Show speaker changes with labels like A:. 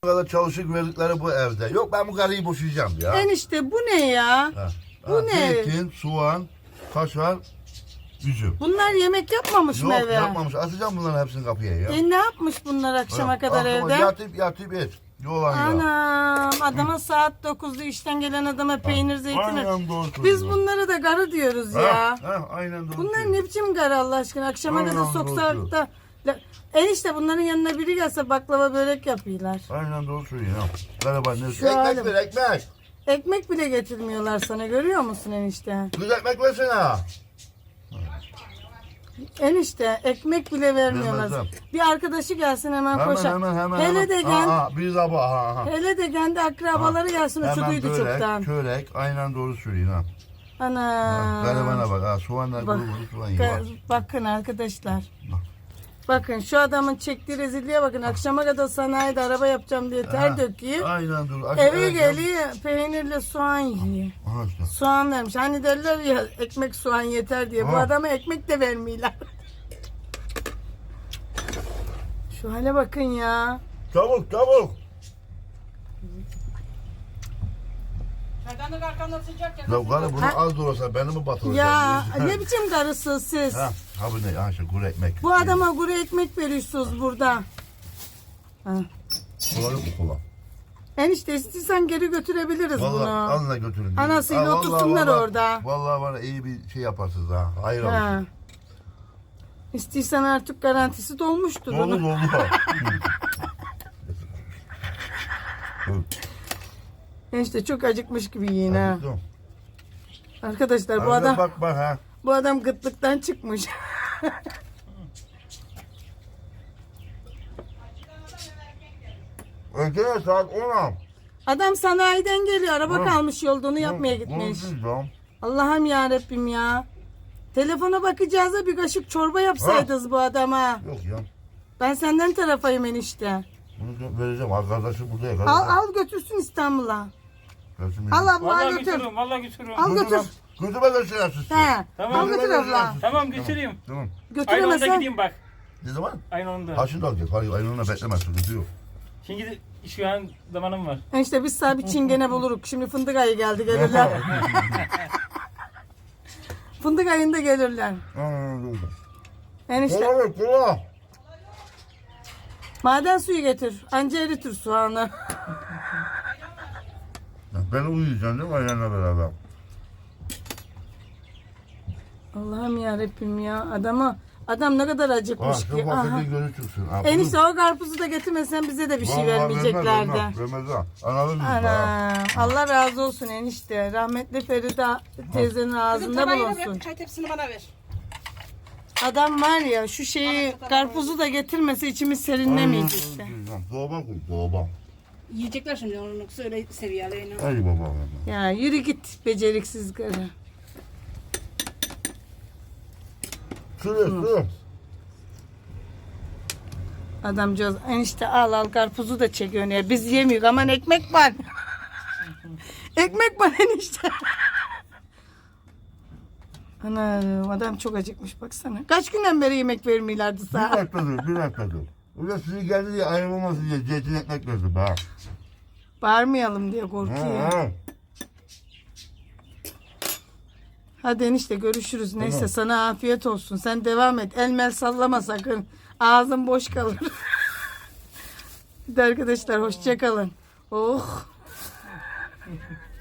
A: kadar çalışık verdikleri bu evde. Yok ben bu karıyı boşayacağım ya.
B: Enişte bu ne ya?
A: Ha.
B: Bu ne?
A: Zeytin, soğan, kaşar, üzüm.
B: Bunlar yemek yapmamış mı
A: Yok
B: eve?
A: yapmamış. Atacağım bunların hepsini kapıya ya.
B: Ne yapmış bunlar akşama kadar evde?
A: Yatıp et. Yolan ya.
B: Anam adama saat 9'da işten gelen adama peynir zeytin.
A: Aynen doğru
B: Biz
A: söylüyorsun.
B: bunlara da garı diyoruz ya.
A: Aynen doğru
B: Bunlar
A: söylüyorsun.
B: ne biçim garı Allah aşkına? Akşama
A: Aynen
B: kadar
A: doğru
B: soksak da. Enişte bunların yanına biri gelse baklava börek yapıyorlar.
A: Aynen doğru söylüyorsun. Galiba ne?
B: Şu halim.
A: Ekmek ver ekmek.
B: Ekmek bile getirmiyorlar sana, görüyor musun enişte?
A: Kız ekmek versene.
B: Enişte ekmek bile vermiyorlar.
A: Vermezler.
B: Bir arkadaşı gelsin hemen koşar.
A: Hemen.
B: Hele de
A: Bir sabah.
B: hele de kendi akrabaları gelsin uçuduydu
A: Hemen
B: çoktan.
A: çörek. Aynen doğru söylüyorsun ha.
B: Ana.
A: Garibana bak ha. Soğanlar
B: Bak,
A: kuru soğan yiyor.
B: bakın arkadaşlar.
A: Bak.
B: Bakın şu adamın çektiği rezilliğe bakın. Akşama kadar sanayide araba yapacağım diye ter döküyor.
A: Aynen doğru.
B: Eve geliyor peynirle soğan yiyor.
A: Aha işte.
B: Soğan vermiş. Hani derler ya ekmek soğan yeter diye. Bu
A: Ha.
B: adama ekmek de vermiyorlar. Şu hale bakın ya.
A: Çabuk.
C: Çaydanlık arkanda sıcak ya.
A: Ya gari bunu az da olsa beni mi batıracaksın?
B: Ya ne biçim karısınız siz?
A: Ha bu ne? Ha şu kuru ekmek.
B: Bu adama kuru ekmek veriyorsunuz burada. Ha.
A: Kola yok mu kola?
B: Enişte istiyorsan geri götürebiliriz
A: Vallahi
B: bunu.
A: alın götürün.
B: Anasıyla
A: Ha, vallahi,
B: otursunlar
A: vallahi,
B: orada.
A: Vallahi var ya, iyi bir şey yaparsınız ha. Hayır olsun.
B: Ha. İstiyorsan artık garantisi dolmuştur
A: Doldu
B: onun.
A: doldu.
B: Enişte çok acıkmış gibi yiyin ha.
A: Acıktım.
B: Arkadaşlar bu
A: Arada
B: adam
A: bak ha.
B: bu adam gıtlıktan çıkmış.
A: Öteye saat 10'a.
B: Adam sanayiden geliyor. Araba kalmış yolda onu yapmaya gitmiş. Allah'ım ya Rabbim ya. Telefona bakacağız da bir kaşık çorba yapsaydınız bu adama.
A: Yok ya.
B: Ben senden tarafayım enişte.
A: Bunu vereceğim. Arkadaşı burada ya.
B: Al götürsün İstanbul'a. Al abla
C: Vallahi
B: götür.
C: götürürüm, vallahi götürürüm.
B: Al götür.
A: Götürme götürürsün.
B: He.
C: Tamam.
B: Al götür abla.
C: Tamam götüreyim.
A: Tamam.
C: Aynı onda
B: Götüremezsen.
C: gideyim bak.
A: Ne zaman?
C: Aynı onda.
A: Haşın da alacak. Hayır aynı beklemez. Sıkıntı yok.
C: Şimdi şu an zamanım var.
B: Enişte biz sana bir çingene buluruk. Şimdi fındık ayı geldi gelirler. Fındık ayında gelirler. Enişte
A: Kola ver kola.
B: maden suyu getir. Anca eritir soğanı.
A: Ben uyuyacaksın değil mi ayağına beraber?
B: Allah'ım ya Rabbim ya. Adam ne kadar
A: Ha
B: acıkmış
A: şu
B: ki. Aha.
A: fakirliği görü çıksın. Ha,
B: Enişte o karpuzu da getirmesen bize de bir şey vermeyeceklerdi.
A: Vermez ha. Anladın mı?
B: Ana, Allah razı olsun enişte. Rahmetli Feride teyzenin ağzında bulunsun.
C: Çay tepsini bana ver.
B: Adam var ya şu şeyi karpuzu da getirmese içimiz serinlemeyecek işte.
A: Doğban koy doğban.
C: Yiyecekler şimdi onu söyle seviyelerine.
A: Hadi baba.
B: Ya yürü git beceriksiz karı.
A: Sürü.
B: Adamcağız enişte al karpuzu da çekiyor ya. Biz yemiyoruz aman ekmek var. Ekmek var enişte. Ana adam çok acıkmış baksana. Kaç günden beri yemek vermiyorlardı
A: Bir
B: sana.
A: dakika dur. Orada sizi geldi diye ayrılmaması diye zeytin ekmek verdim ha.
B: Bağırmayalım diye korkuyor. Hadi enişte görüşürüz. Neyse
A: Tamam.
B: sana afiyet olsun. Sen devam et. Elmel sallama sakın. Ağzın boş kalır. Hadi arkadaşlar hoşça kalın. Oh.